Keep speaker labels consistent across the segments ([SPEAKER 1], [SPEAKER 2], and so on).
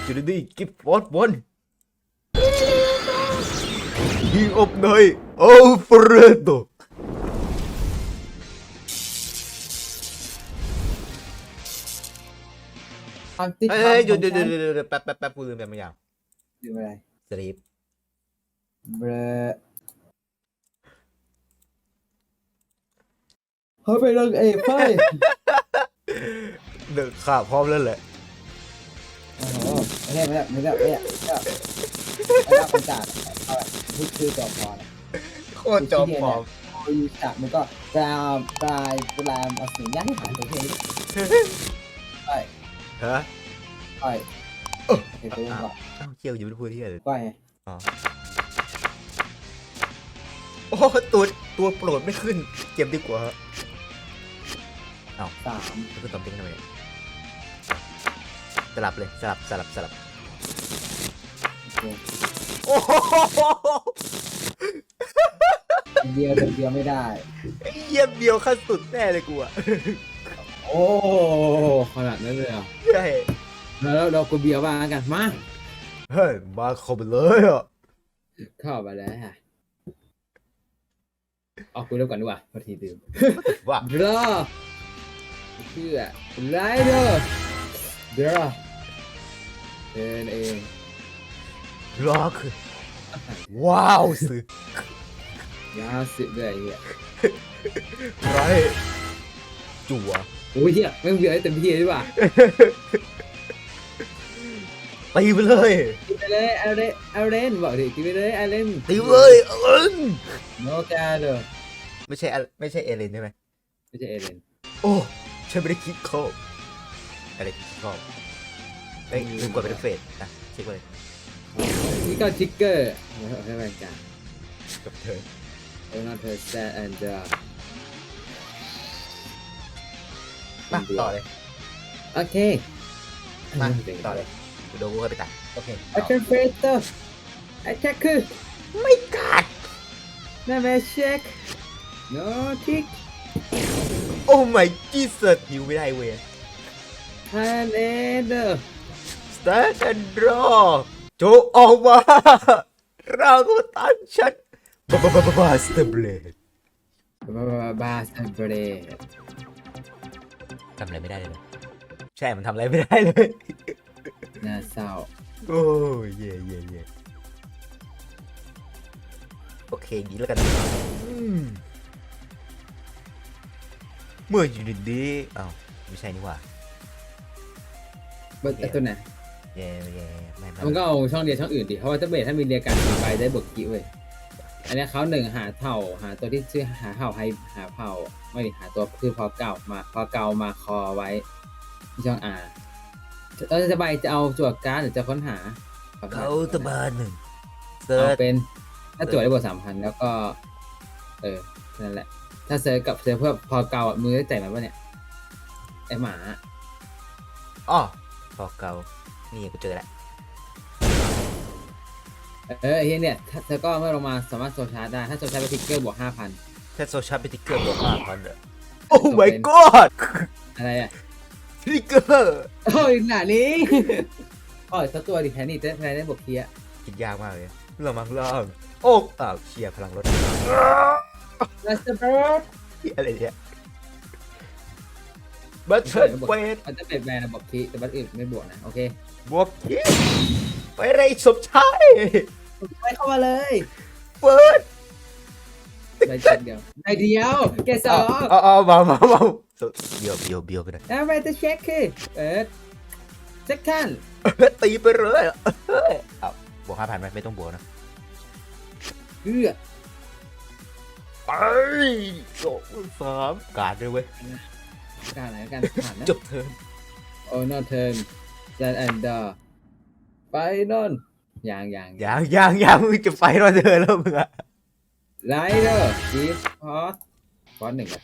[SPEAKER 1] จุดนี้กิฟฟอร์ดบอลยิงอบหน่อยโอ้เฟรโดเฮ้ยหยุดแป๊บกูลืมไปบางอย่าง
[SPEAKER 2] ดูอะไร
[SPEAKER 1] สลีป
[SPEAKER 2] เบรเฮ้ยไปลงเอกไป
[SPEAKER 1] เดินขาพร้อมแล้วแหละ
[SPEAKER 2] โอ้โหไม่ได้ประกาศเอาพูดคือจอมพร
[SPEAKER 1] โคตรจอมปลอม
[SPEAKER 2] ยูจักมันก็กลามเอาสิ่งยากที่ผ่านตัวเองไป
[SPEAKER 1] ฮะ
[SPEAKER 2] ไปเดี๋ยวก่อน
[SPEAKER 1] เกี่ยวอยู่เป็นพูดที่อะไร
[SPEAKER 2] ไปไง
[SPEAKER 1] โอ้ตัวโปรดไม่ขึ้นเก็บดีกว่า
[SPEAKER 2] 3
[SPEAKER 1] แล้วก็ตบทิ้งทำไมสลับเลยสลับ
[SPEAKER 2] โอเค
[SPEAKER 1] โอ้โห
[SPEAKER 2] เดียวไม่ได้
[SPEAKER 1] เยี่ยมเดียวขั้นสุดแน่เลยกูอะ
[SPEAKER 2] โอ้ขนาดนั้นเลยอ่ะ
[SPEAKER 1] ใช่
[SPEAKER 2] แล้วเรากูเบียร์บ้างกันมา
[SPEAKER 1] เฮ้ยมาเข้าไปเลยอ่ะ
[SPEAKER 2] เข้าไปแล้วฮะเอาคุยเริ่มก่อนดีกว่าพอทีดื่ม
[SPEAKER 1] ว่า
[SPEAKER 2] รอเพื่อไรเดอร์รอเดินเอง
[SPEAKER 1] รอคือว้าวสึก
[SPEAKER 2] ยาสิบเลยเฮีย
[SPEAKER 1] ไรจั่ว
[SPEAKER 2] โอ้ยเฮียไม่เบียร์ให้เต็มที่เลยดีกว่า
[SPEAKER 1] ตีไปเลย
[SPEAKER 2] กินไปเลยเอาเล่นบอกดิกินไปเลยเอาเล่น
[SPEAKER 1] ตีไปเลย
[SPEAKER 2] โนกาเลย
[SPEAKER 1] ไม่ใช่เอเลนใช่ไหม
[SPEAKER 2] ไม่ใช่เอเลน
[SPEAKER 1] โอ้ฉันไม่ได้คิดเข้าอะไรคิดเข้าเฮ้ยลืมกดเป็นเฟสนะเช็คเลย
[SPEAKER 2] นี่ก็ทิกเกอร์เอาให้แรงกัน
[SPEAKER 1] กับเธอ
[SPEAKER 2] โอ้น่าเธอแซดแอนด์
[SPEAKER 1] มาต่อเลย
[SPEAKER 2] โอเค
[SPEAKER 1] มาต่อเลยเดี๋ยวกูก็ไปตัดโอเค
[SPEAKER 2] แอคชั่นเฟสเตอร์แอคชั่นคือ
[SPEAKER 1] ไม่กัด
[SPEAKER 2] นั่นแหละเช็คโนทิก
[SPEAKER 1] โอ้ my Jesus หิวไม่ได้เว้ย
[SPEAKER 2] ฮันเอเดอร์
[SPEAKER 1] Stand and draw โจออกมาเราก็ตันฉันบาสเตอร์เบลด
[SPEAKER 2] บาสเบรด
[SPEAKER 1] ทำอะไรไม่ได้เลยใช่มันทำอะไรไม่ได้เลย
[SPEAKER 2] น่าเศร้า
[SPEAKER 1] โอ้ยเย่โอเคดีแล้วกันเมื่ออยู่ดีๆอ้าวไม่ใช่นี่หว่า
[SPEAKER 2] ไอตัวไหน
[SPEAKER 1] เย่ไม่
[SPEAKER 2] มันก็เอาช่องเดียวช่องอื่นดิเพราะว่าถ้าเบสถ้ามีเรียการไปได้บวกกี้เว้ยอันนี้เขาหนึ่งหาเผ่าหาตัวที่ชื่อหาเผ่าให้หาเผ่าไม่ดิหาตัวคือพอเก่ามาคอไว้ที่ช่องจะใบจะเอาจวดการ์ดหรือจะค้นหา
[SPEAKER 1] เขาตะบานหนึ่งเซิ
[SPEAKER 2] เอา
[SPEAKER 1] ร์ช
[SPEAKER 2] เป็นถ้าจวดได้บวก3,000แล้วก็นั่นแหละถ้าเซิร์ชกับเซิร์ชเพื่อพอเก่ามือได้ใจมันปะเนี่ยไอหมา
[SPEAKER 1] อ๋อพอเก่านี่กูเจอแล้ว
[SPEAKER 2] ไอ้เหี้ยเนี่ยเธอก็เมื่อลงมาสามารถโซชาร์จได้ถ้าโซชาร์จไปทิกเกอร์บวก 5,000
[SPEAKER 1] ถ้าโซชาร์เป็นติ๊กเกอร์บวก5,000เลยโอ้ my god
[SPEAKER 2] อะไรอ่ะ
[SPEAKER 1] ติ๊กเกอร์
[SPEAKER 2] โอ้ยหนานี้ อ๋อสักตัวดิแค่นี้จะแพ้ได้บวกเคีย
[SPEAKER 1] คิดยากมากเลยเรามังล่างโอ้อ้าวเชียร์พลังรถ
[SPEAKER 2] ลัสเตอร์เบิร์ด
[SPEAKER 1] อะไรเนี่ยบัตเทิลเฟส
[SPEAKER 2] มันจะเป็นแบรนด์บวกคีแต่บัตรอื่นไม่บวกนะโอเค
[SPEAKER 1] บวกยี่ไปไรสมชาย
[SPEAKER 2] ไปเข้ามาเลย
[SPEAKER 1] เปิด
[SPEAKER 2] ใบเดียวแกสอง
[SPEAKER 1] เอามาเบียวกันนะ
[SPEAKER 2] แล้วไปจะเช็คคือเปิดเซ็คัน
[SPEAKER 1] ตีไปเลยเอาบวก5,000ไหมไม่ต้องบวกนะ
[SPEAKER 2] เกือ
[SPEAKER 1] ไป2 3การ์ดด้วยเว้ย
[SPEAKER 2] การไหนกันผ่านนะ
[SPEAKER 1] จบเทิร์น
[SPEAKER 2] โอ้นอเทิร์นจันแอนด์ดอไปนอนอย่าง
[SPEAKER 1] ยังมึงจะไปรอเธอแล้วมึงอะ
[SPEAKER 2] ไรเดอร์กีฟพอส1เลย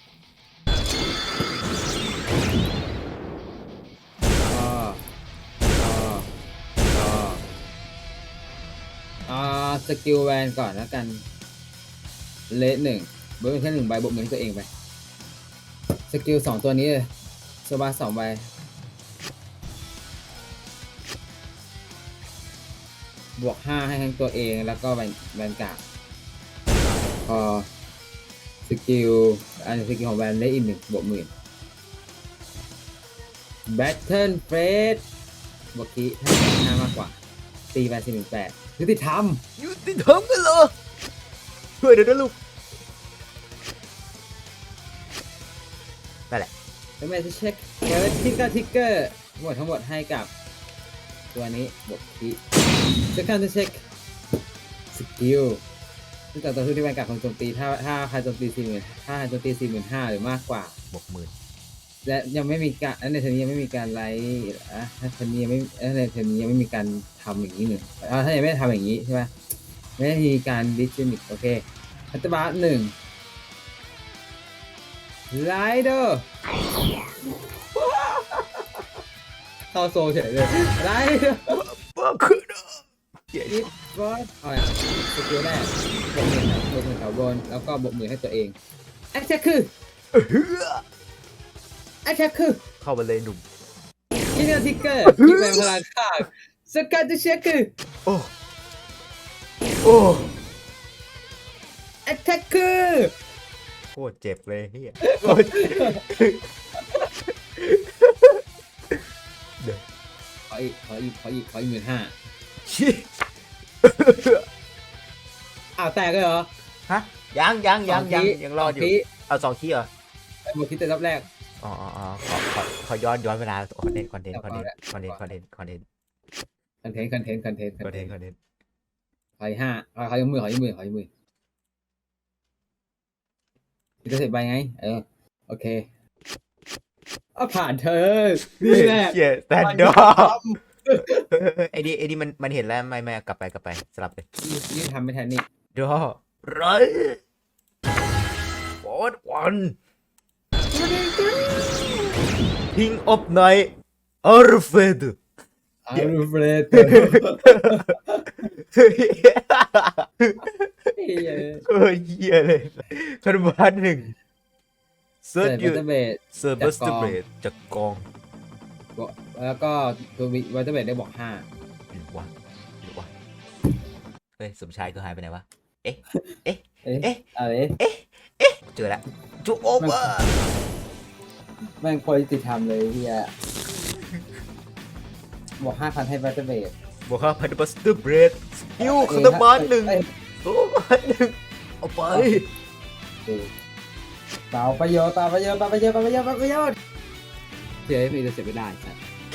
[SPEAKER 2] สกิลแวนก่อนแล้วกันเลส1เบิร์นแค่1ใบบวกเงินตัวเองไปสกิล2ตัวนี้เลยโซบา2ใบบวกห้าให้ทั้งตัวเองแล้วก็แวนการ์ดพอสกิลสกิลของแวนได้อีก1บวก 10,000 Battle Phase บวกคีถ้า5มากกว่าตีแวน418ยุติธรรม
[SPEAKER 1] ยุติธรรมกันเหรอช่วยเดี๋ยวนะลูกนั่นแหละ
[SPEAKER 2] แล้วแม่จะเช็คเปิดทิกเกอร์ทั้งหมดให้กับตัวนี้บวกคีจะการจะเช็คสกิลซึ่งต่อสู้ที่แวนการ์ดของโจมตีถ้าใครโจมตี40,000ถ้าใครโจมตี45,000หรือมากกว่า
[SPEAKER 1] บวก 10,000
[SPEAKER 2] และยังไม่มีการในเทอมนี้ยังไม่มีการไลฟ์ถ้าเทอมนี้ยังไม่ในเทอมนี้ยังไม่มีการทำอย่างนี้หนึ่งถ้ายังไม่ทำอย่างนี้ใช่ไหมไม่ได้มีการดิสจินิกโอเคพัตตบาร์1ไลเดอร์เข้าโซเฉยเลยไลเดอร์
[SPEAKER 1] บ้าขึ้นอ่ะเหี้ย
[SPEAKER 2] ดิสบอสเอาอย่างสกิลแรกบวก 10,000แถวบนแล้วก็บวก 10,000ให้ตัวเองแอคแท็กคือ
[SPEAKER 1] เฮือ
[SPEAKER 2] แอคแท็กคือ
[SPEAKER 1] เข้ามาเลยหนุ่ม
[SPEAKER 2] ยิงทิกเกอร์ยิงแรงพลังข้างสกัดจะเช็คคือ
[SPEAKER 1] โอ้ โอ้
[SPEAKER 2] แอคแท็กคือ
[SPEAKER 1] โคตรเจ็บเลยเฮียโคตรเจ็บเดี๋ยว
[SPEAKER 2] ขออีก15,000
[SPEAKER 1] ชิ
[SPEAKER 2] อ้าวแตกเลยเหรอ
[SPEAKER 1] ฮะยังรอดอยู่ เอา2 ขี้เหรอ
[SPEAKER 2] บวกคิดแต่รอบแรก
[SPEAKER 1] อ๋อขอย้อนเวลาคอนเทนต์
[SPEAKER 2] คอนเทนต์
[SPEAKER 1] คอนเทนต์
[SPEAKER 2] ขออีก5ขออีกมือคิดจะเสร็จไปไงโอเคผ่านเธอนี่แหละ
[SPEAKER 1] เชี่ยแต่ดอไอ้นี่มันเห็นแล้วไม่กลับไปสลับเลย
[SPEAKER 2] นี่ทำไม่ทันนี่
[SPEAKER 1] ดอไรฟอร์ดวันพิงออฟไนท์อาร์เฟด
[SPEAKER 2] อารูเฟรด
[SPEAKER 1] เออเหี้ยเลยคันบ้าน1เซิร์ชอยู่
[SPEAKER 2] เบส
[SPEAKER 1] เซิร์ฟบัสเตอร์เบดจากกอง
[SPEAKER 2] แล้วก็ตัววัตเตอร์เบสได้บอก5
[SPEAKER 1] หรือวะเฮ้ยสมชายก็หายไปไหนวะเอ๊ะ
[SPEAKER 2] อะไร
[SPEAKER 1] เจอแล้วจูโอเวอร์
[SPEAKER 2] แม่งควรติดทำเลยเฮียบอก 5,000 ให้วัตเตอร์เบส
[SPEAKER 1] บอกว่าพันธุ์บัสเตอร์เบดสกิลคันบ้าน1ตัวบ้าน1เอาไป
[SPEAKER 2] เปล่าประโยชน์เสียไม่ได้เสียไม่ได้ใช่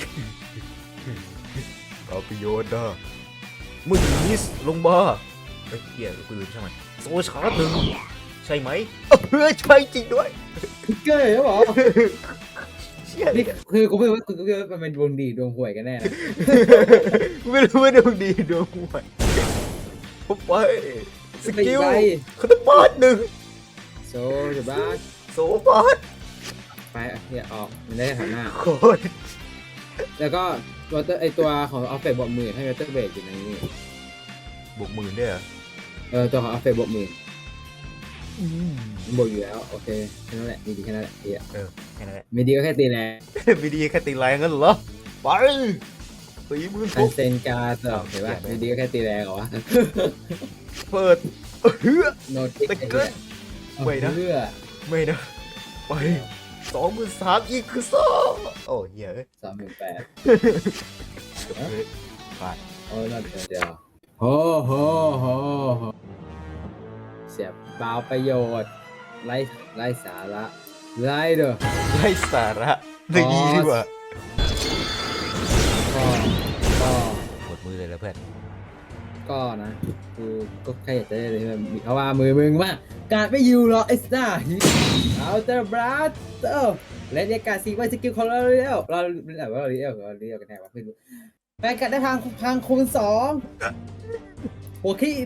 [SPEAKER 1] เอาประโยชน์นะมึงมิสลงมาไอ้เหี้ยกูลืมใช่ไหมโซชาร์จ1ใช่ไหมใช่จริงด้วย
[SPEAKER 2] เก๋เหรอ
[SPEAKER 1] เชี่ย
[SPEAKER 2] นี่คือกูไม่รู้ว่ามันเป็นดวงดีดวงห่วยกันแน่นะ
[SPEAKER 1] กูไม่รู้ว่าดวงดีดวงห่วยผมไปสกิลคันบ้าน1
[SPEAKER 2] โซจะบ้า
[SPEAKER 1] โซบาส
[SPEAKER 2] ไปเฮียออกมันได้ฐานหน้า
[SPEAKER 1] โคตร
[SPEAKER 2] แล้วก็ตัวของออฟเฟตบวก 10,000ให้วัตเตอร์เบสอยู่ในนี้
[SPEAKER 1] บวก 10,000ด้วยเหรอ
[SPEAKER 2] ตัวของออฟเฟตบวก 10,000บวกอยู่แล้วโอเคแค่นั้นแหละมีดีแค่นั้นแหละเฮีย
[SPEAKER 1] แค่นั้นแหละ
[SPEAKER 2] มีดีก็แค่ตีแรง
[SPEAKER 1] มีดีแค่ตีแรงงั้นเหรอไปตีมือ
[SPEAKER 2] อั
[SPEAKER 1] ทุ
[SPEAKER 2] น
[SPEAKER 1] บ
[SPEAKER 2] เซนการ์ดเห็นป่ะมีดีก็แค่ตีแรงเหรอวะ
[SPEAKER 1] เปิดเฮือ
[SPEAKER 2] โนติก
[SPEAKER 1] แต่เกิน ไม่นะ
[SPEAKER 2] เพื่อ
[SPEAKER 1] ไม่นะไป23,000อีกคือ2โอ้เหี้ยเอ้ย
[SPEAKER 2] 38,000
[SPEAKER 1] เฮ้ยพลาด
[SPEAKER 2] โอ้ยนั่นเดียวโหเสียเปล่าประโยชน์ไร้สาระไร้เด้อ
[SPEAKER 1] ไร้สาระไม่ดีดีกว่า
[SPEAKER 2] ก็
[SPEAKER 1] หมดมือเลยแล้วเพื่อน
[SPEAKER 2] ก็นะกูก็แค่อยากจะได้เลยเพราะว่ามือมึงว่าการไม่อยู่หรอกไอ้ซ่าเอาเตอร์บราสเตอร์และในการซีไว้สกิลของเราเรียวเราเรียวกันแน่วะไม่รู้แปลงกัดได้พังคูณ2หัวขี้อีก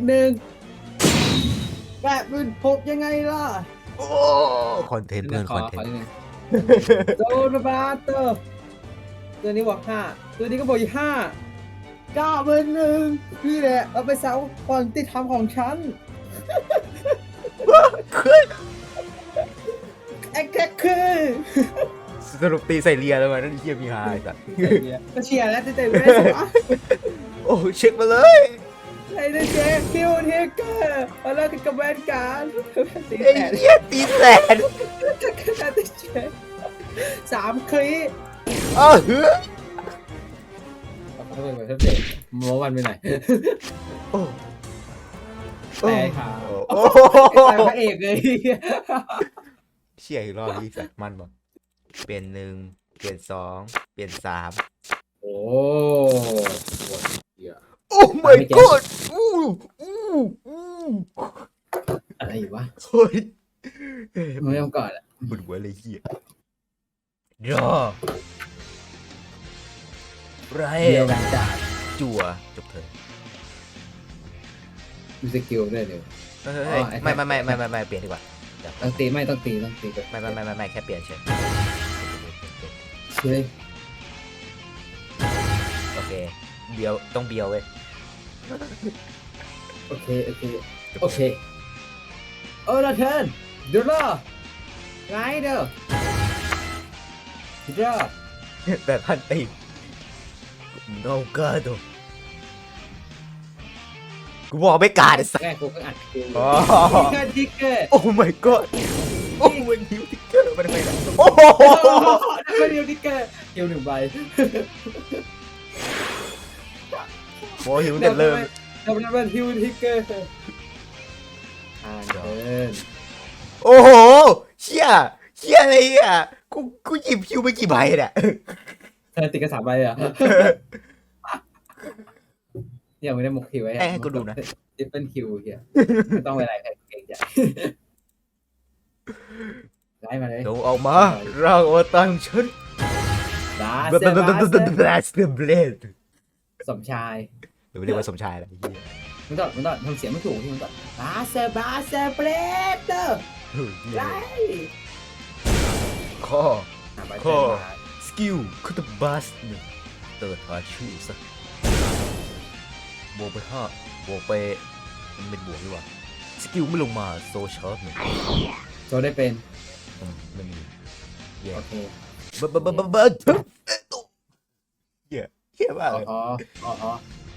[SPEAKER 2] 1แบบมือ6ยังไงล่ะ
[SPEAKER 1] โอ้คอนเทนต์เพื่อนคอนเทนต์
[SPEAKER 2] โดนบราสเตอร์ตัวนี้บอก5ตัวนี้ก็บอกอีก5 9-1นี่แหละเอาไปเซาก่อนติดทำของฉัน
[SPEAKER 1] ขึ้น
[SPEAKER 2] แอคแท็กคือ
[SPEAKER 1] สรุปตีใส่เรียแล้วมันนั่นเหี้ยมีหายสัตว์
[SPEAKER 2] ก็เชียร์แล้วแต่ไม่ได้สวะ
[SPEAKER 1] โอ้เช็คมาเลย
[SPEAKER 2] เไอ้เจ๊คิวเทเกอร์มาเลิกกันกับแวนการ์ดตี
[SPEAKER 1] ไอ้
[SPEAKER 2] แสน
[SPEAKER 1] เหี้ยตีแสน
[SPEAKER 2] ไอ้เจ๊3 คลิป
[SPEAKER 1] อ้าวเฮ้ย
[SPEAKER 2] ทำไมเหมือนทับเด็กโมวันไปไหน
[SPEAKER 1] โอ้
[SPEAKER 2] แต่ขา
[SPEAKER 1] โอ้
[SPEAKER 2] แต่พระเอกเลย
[SPEAKER 1] เชี่ยอีกรอบนี้สัตว์มันบอกเปลี่ยน1เปลี่ยน2เปลี่ยน3
[SPEAKER 2] โอ้
[SPEAKER 1] โอ้ my god อู้
[SPEAKER 2] อะไรอยู่วะ
[SPEAKER 1] เฮ้ย
[SPEAKER 2] ไม่ต้องก่อนอ่ะ
[SPEAKER 1] บุญหัวเลยเหี้ยรอไร
[SPEAKER 2] เดียวกันจ้า
[SPEAKER 1] จั่วจบเถอะ
[SPEAKER 2] มีสกิลด้วยเดี๋ยว
[SPEAKER 1] เฮ้ยไม่เปลี่ยนดีกว่า
[SPEAKER 2] ต้องตีไม่ต้องตีไป
[SPEAKER 1] ไม่แค่เปลี่ยนเฉย
[SPEAKER 2] เฮ้ย
[SPEAKER 1] โอเคเบียวต้องเบียวเว้ย
[SPEAKER 2] โอเคโอ้ละเทิร์นดูล่ะไงเด้อดูล่ะ
[SPEAKER 1] แบบพันตีโนกาโดกูบอกไม่กล้าเลยสัก
[SPEAKER 2] แรกกูก็อัดคิว
[SPEAKER 1] อ๋อ
[SPEAKER 2] ทิกเกอร์
[SPEAKER 1] โอ้ my god โอ้มันฮิวทิกเกอร์มันทำไมล่ะโอ้โห
[SPEAKER 2] ไม่เดียวทิกเกอร์คิว1 ใบ
[SPEAKER 1] โมหิวเด็ดเริ่ม
[SPEAKER 2] เราเป็นฮิวทิกเกอร์อ่านเดิน
[SPEAKER 1] โอ้โหเชี่ยอะไรอ่ะกูหยิบฮิวไปกี่ใบเนี่ย
[SPEAKER 2] เธอติดกระสาใบอ่ะยังไม่ได้มุกคิวไว้
[SPEAKER 1] ให้กูดูนะ
[SPEAKER 2] ทิปเปิลคิวเฮียไม่ต้องไปอะไรใครเก่งใจไล่มาเลย
[SPEAKER 1] จงออกมาร่างอวตารของฉัน
[SPEAKER 2] บา
[SPEAKER 1] บ
[SPEAKER 2] เซบาเซ
[SPEAKER 1] Blast the Blade
[SPEAKER 2] สมชาย
[SPEAKER 1] หรือเรียกว่าสมชายอะไรเหี้ย
[SPEAKER 2] มันต้องทำเสียงไม่ถูกที่มันต้องบาเซเบรเดอร์
[SPEAKER 1] เฮ้ยเหี้ย
[SPEAKER 2] ไล่
[SPEAKER 1] ข้อ
[SPEAKER 2] บา
[SPEAKER 1] ข้อ สกิลคุตบัสหนึ่งเติร์ดหาชื่อซะบวกไป5บวกไปมันเป็นบวกดีกว่าสกิลไม่ลงมาโซชาร์จหนึ่ง
[SPEAKER 2] โจได้เป็น
[SPEAKER 1] ไม่มีแย่
[SPEAKER 2] โอเค
[SPEAKER 1] บัเหี้ยมากเลย
[SPEAKER 2] อ๋อ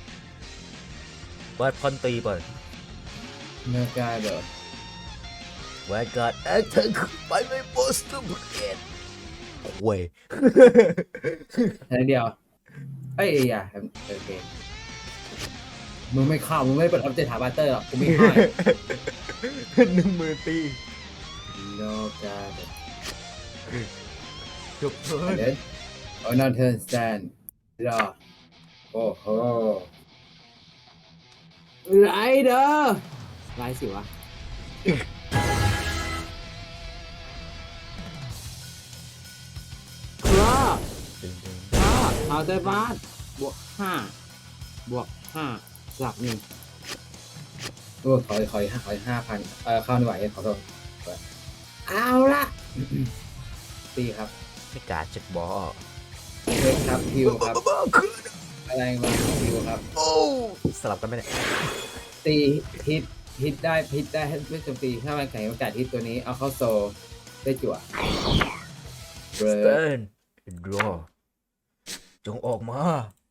[SPEAKER 1] วาดพันตีไป
[SPEAKER 2] เนื้อกายเด้อ
[SPEAKER 1] วาดการ์ดแอคเทอร์ไปไม่บอสต์บเกตโว้ย
[SPEAKER 2] แค่เดียวเอ้ยอย่าโอเคมึงไม่เข้ามึงไม่เปิดอัพเดตหาบัตเตอร์หรอกกูไม่ให้
[SPEAKER 1] 10,000 ตี
[SPEAKER 2] โลกาเด้อ
[SPEAKER 1] จบเทิร์น
[SPEAKER 2] เดินโอ้นอนเทิร์นสแตนรอโอ้โหไรเด้อไรสิวะครับเอาเตอร์บาสบวก5หลัก1โอ้ขอ5,000เข้าไม่ไหวขอโทษเอาละตีครับ
[SPEAKER 1] ไม่กล้าเจ็บบอล
[SPEAKER 2] เช็คครับฮิวครับอะไรมาฮิวครับ
[SPEAKER 1] โอ้สลับกันไหมเนี่ย
[SPEAKER 2] ตีฮิตได้ไม่โจมตีถ้ามันแข่งโอกาสฮิตตัวนี้เอาเข้าโซลได้จั่วเบร
[SPEAKER 1] สเตนดรอจงออกมา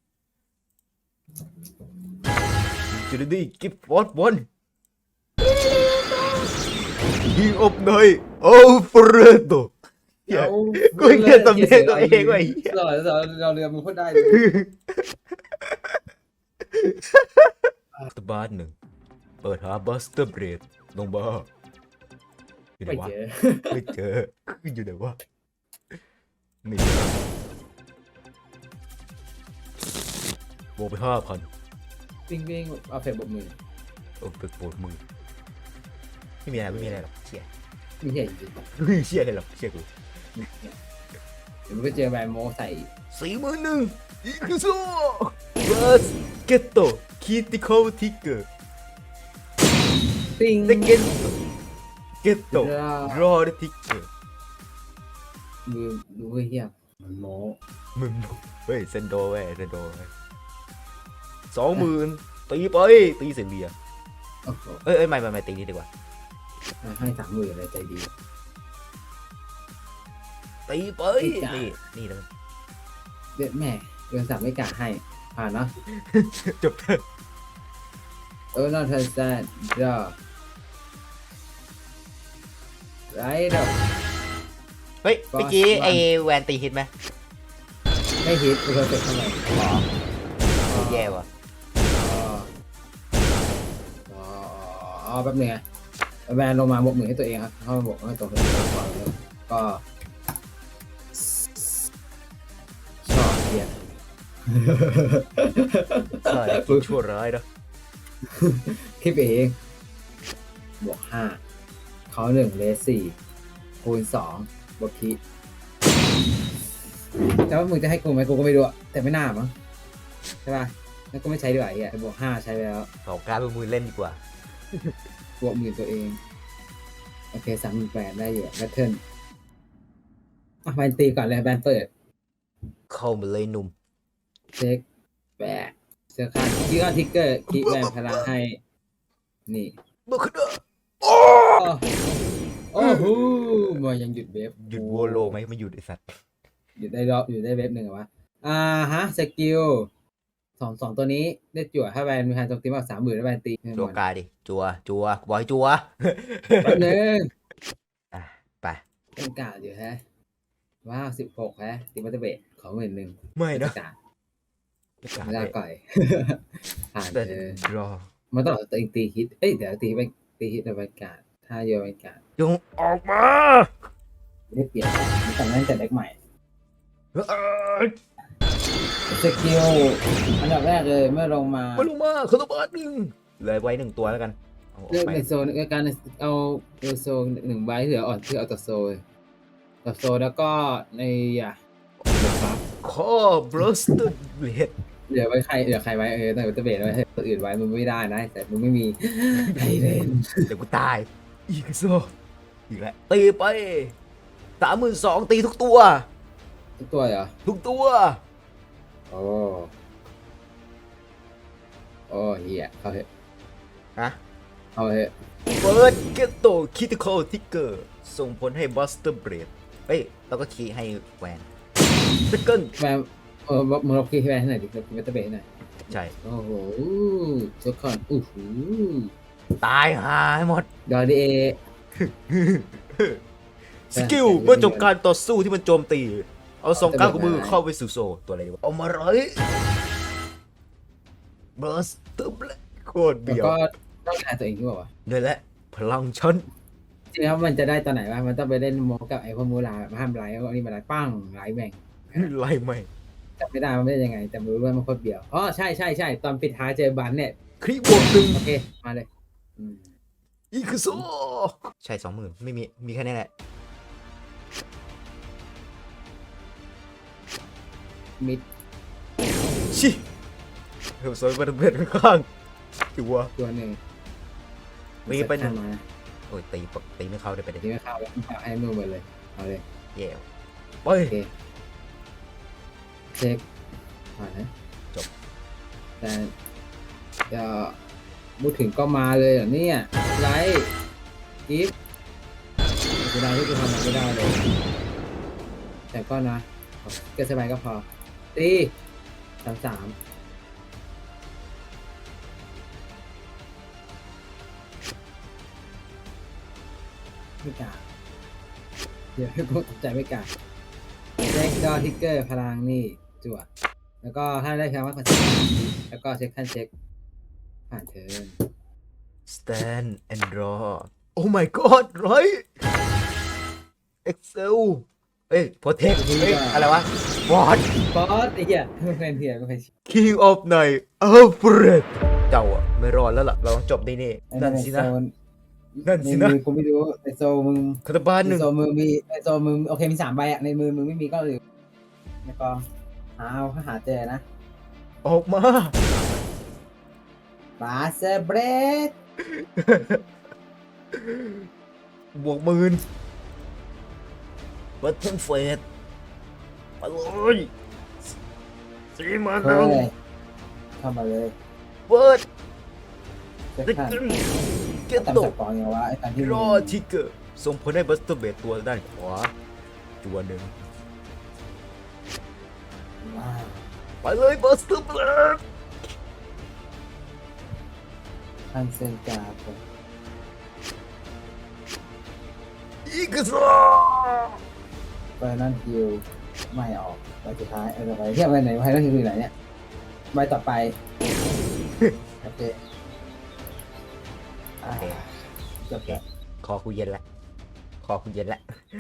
[SPEAKER 1] จูดี้กิฟฟอร์ดบอลยิงออกหน่อยโอ้เฟรโดกูเห็นสำเนียงตัวเองว่ะ
[SPEAKER 2] เราเรือมึงพูดได้เลย
[SPEAKER 1] ตบาสหนึ่งเปิดหาบัสเตอร์เบรดลงมาอยู่ไหน
[SPEAKER 2] ไม่
[SPEAKER 1] วะ
[SPEAKER 2] เจอ
[SPEAKER 1] ไม่เจออยู่ไหนวะนี่โบกไป5,000
[SPEAKER 2] วิ่งเอาเฟรบกมือ
[SPEAKER 1] โอ้ตึกปวดมือไม่มีอะไรหรอกเชี่ย
[SPEAKER 2] ไม่ใช่จริง
[SPEAKER 1] ไม่เชี่ยอะไรหรอกเชี่ยกู
[SPEAKER 2] เดี๋ยวมันก็เจอแบรนด์โมใส่
[SPEAKER 1] 41,000อีกโซ่บัสเกตโตคิติคอลทิกเกอร์
[SPEAKER 2] ติ้ง
[SPEAKER 1] เซเกนเกตโตรอเดทิกเกอร์
[SPEAKER 2] มือดูเฮียมันโม
[SPEAKER 1] มึงเฮ้ยเซนโดเว้ย20,000ตีไปตีเสียงเบียร์
[SPEAKER 2] โอ้โห
[SPEAKER 1] เอ้ยไม่ตีนี้ดีกว่า
[SPEAKER 2] ให้30,000อะไรใจดี
[SPEAKER 1] ตีไปนี่เลย
[SPEAKER 2] เด็ดแม่เดือน3ไม่กะให้ผ่านเนาะ
[SPEAKER 1] จบเถอะ
[SPEAKER 2] not understand draw right
[SPEAKER 1] เฮ้ยเมื่อกี้ไอแวนตีฮิตไหม
[SPEAKER 2] ไม่ฮิตกูเคยเก็บเท่าไหร่
[SPEAKER 1] อ๋อแย่ว่ะ
[SPEAKER 2] แป๊บนึงไงแบนลงมาบวกมือให้ตัวเองครับเข้ามาบวกให้ตัวเองก่อนแล้วก็ชอบเกียร์
[SPEAKER 1] ใช่คิดชั่วร้ายนะ
[SPEAKER 2] คิดเองบวก5เขา1เลส4คูณ2บวกคีแต่ว่ามึงจะให้กูไหมกูก็ไม่รู้อะแต่ไม่น่ามั้งใช่ป่ะแล้วก็ไม่ใช้ดีกว่าไอ้เหี้ยบวก5ใช้ไปแล้ว
[SPEAKER 1] ขอการเป็นมือเล่นดีกว่า
[SPEAKER 2] บวกมือตัวเองโอเค38,000ได้อยู่แบทเทิลแบนตีก่อนเลยแบนเปิด
[SPEAKER 1] เข้ามาเลยหนุ่ม
[SPEAKER 2] เช็คแบกเสื้อคาดคีก็ทิกเกอร์คีแบนพลังให้นี่
[SPEAKER 1] เมื่อคืนโอ้
[SPEAKER 2] โอ้โหมันยังหยุดเวฟ
[SPEAKER 1] หยุดโวโลไหมไม่หยุดไอสัตว์
[SPEAKER 2] หยุดได้รอบหยุดได้เวฟหนึ่งเหรอวะสกิลสองตัวนี้ได้จั่วถ้าแบนมีการโจมตีมาก30,000แล้วแบนตี
[SPEAKER 1] จัวกายดิจัวบอยจัว
[SPEAKER 2] แป๊บนึง
[SPEAKER 1] อ่ะไป
[SPEAKER 2] เป็นกาดอยู่ฮะว้าว16ฮะตีมัตเตอร์เบทขอ11,000
[SPEAKER 1] ไม่นะ
[SPEAKER 2] กาดไม่ได้ก่อย ผ่าน
[SPEAKER 1] แต่
[SPEAKER 2] เธอ
[SPEAKER 1] รอ
[SPEAKER 2] มันต้องตัวเองตีฮิตเดี๋ยวตีไปตีฮิตในบรรยากาศถ้าโยนบรรยากาศ
[SPEAKER 1] จงออกมา
[SPEAKER 2] ไม่ได้เปลี่ยนมันแต่งตั้งแต่เด็กใหม่ สกิลอันดับแรกเลยเมื่อลงมา
[SPEAKER 1] มาลงมาคาร์บาสหนึ่งเหลยไว้หนึ่งตัวแล้วกันเอาออ
[SPEAKER 2] เลือก
[SPEAKER 1] กไป
[SPEAKER 2] ในโซนการเอาโซน1 ใบที่เหลืออ่อนที่เอาต่อโซนแล้วก็ในเดี๋ยวครับ
[SPEAKER 1] ข้อบ r สเตอร์เบลด
[SPEAKER 2] เหลือใครไว้ตั้งแต่เบสไว้ตัวอื่นไว้มันไม่ได้นะแต่มึงไม่มีใครเล่น
[SPEAKER 1] เดี๋ยวกูตายอีกโซอีกแล้วตีไป32,000ตีทุกตัว
[SPEAKER 2] ทุกตัวเหรอ
[SPEAKER 1] ทุกตัว
[SPEAKER 2] โอ้เฮียเข้าเถอะ
[SPEAKER 1] ฮะ
[SPEAKER 2] เข้าเถอะ
[SPEAKER 1] เปิดเกตโตคิติคอลทิกเกอร์ส่งผลให้บัสเตอร์เบรดเอ้ยแล้วก็คีย์ให้แวนสเกิล
[SPEAKER 2] แบมมึงลองคีย์ให้แบนให้หน่อยดิลองคีย์มัตเตอร์เบสให้หน่อย
[SPEAKER 1] ใช่
[SPEAKER 2] โอ้โหทุกคน
[SPEAKER 1] ตายหายหมด
[SPEAKER 2] ดอดีเอ
[SPEAKER 1] สกิลเมื่อจบการต่อสู้ที่มันโจมตี เอาสองก้าวของมือเข้าไปสู่โซตัวอะไรดีวะเอามาเลยบัสเตอร์เบรดโคตร
[SPEAKER 2] แล้ว
[SPEAKER 1] เบียว
[SPEAKER 2] ก็ต้องการตัวเองที่บอกว่า
[SPEAKER 1] นี่แหละพลังฉัน
[SPEAKER 2] จริงครับมันจะได้ตอนไหนวะมันต้องไปเล่นโมกับไอ้พวกมูลาห้ามไลฟ์พวกนี้มาไลฟ์ปั้งไลฟ์แม่ง
[SPEAKER 1] ไล่ไม่
[SPEAKER 2] จำไม่ได้มันไม่ได้ยังไงแต่ไม่รู้ว่ามันโคตรเบี่ยวอ๋อใช่ตอนปิดท้ายเจอบันเนี่ย
[SPEAKER 1] คลิปบวกหนึ่ง
[SPEAKER 2] โอเคมาเลยอืม
[SPEAKER 1] อีคือโซใช่20,000ไม่มีแค่นี้แหละ
[SPEAKER 2] มิด
[SPEAKER 1] ชิเฮ้ยโซนมันเป็นข้างๆตัว
[SPEAKER 2] ตัวหนึ่ง
[SPEAKER 1] มีไปหนึ่ง
[SPEAKER 2] มา
[SPEAKER 1] โอ้ยตีไม่เข้าได้ไปเลย
[SPEAKER 2] ทีไม่เข้าแล้วให้มือหมดเลยเอาเลย
[SPEAKER 1] แย่ไป
[SPEAKER 2] โอเคเช็คผ่านนะ
[SPEAKER 1] จบ
[SPEAKER 2] แต่จะพูดถึงก็มาเลยเหรอเนี่ยไลฟ์กิฟต์ไม่ได้ที่กูทำมันไม่ได้เลย แต่ก็นะก็สบายก็พอตี33ไม่กล้าเดี๋ยวให้พวกตกใจไม่กล้าเช็คดอทิกเกอร์พลังนี่จั่วแล้วก็ถ้าได้คำว่าคอนเซ็ปต์แล้วก็เช็คขั้นเช็คผ่านเทิร์น
[SPEAKER 1] stand and draw oh my god right excel เอ้ย protect เอ้ยอะไรวะ what
[SPEAKER 2] บอสไอ้เหี้ยไม่เป็นเหี้ยไม่เป็น
[SPEAKER 1] king of night alfred เจ้าอะไม่รอดแล้วล่ะเราต้องจบได้นี่นั่นสินะ นั่นสินะ
[SPEAKER 2] ใมือกูไม่รู้ในโซมึง
[SPEAKER 1] คาตาบานห
[SPEAKER 2] ใน
[SPEAKER 1] นึ่ง
[SPEAKER 2] โซมึงมีในโซมึงโอเคมี3 ใบอ่ะในมือมึงไม่มีก็หรือในกองหาเจอนะ
[SPEAKER 1] ออกมา
[SPEAKER 2] บาสเบรด
[SPEAKER 1] บวก10,000บัตเทิลเฟสไปเลย40,000
[SPEAKER 2] เฮ้ยเข้ามาเลย
[SPEAKER 1] เปิด
[SPEAKER 2] เช็ค
[SPEAKER 1] เด็ก
[SPEAKER 2] ขั้น
[SPEAKER 1] เก็ต
[SPEAKER 2] ตาม
[SPEAKER 1] โต
[SPEAKER 2] สกอร์ยังวะไอ้ตอนที่
[SPEAKER 1] รอทิกเกอร์ส่งผลให้บัสเตอร์เบดตัวด้านขวาตัวหนึ่ง
[SPEAKER 2] ว้าว
[SPEAKER 1] ไปเลยบัสเตอร์เบด
[SPEAKER 2] ทคันเซนการ์ด
[SPEAKER 1] อีกซอ
[SPEAKER 2] ไฟนั่นฮิวไม่ออกใบสุดท้ายต่อไปเทียบไปไหนไฟนั่นฮิวอยู่ไหนเนี่ยใบต่อไปโอเคจบแล้ว
[SPEAKER 1] คอกูเย็นละคอกูเย็นละ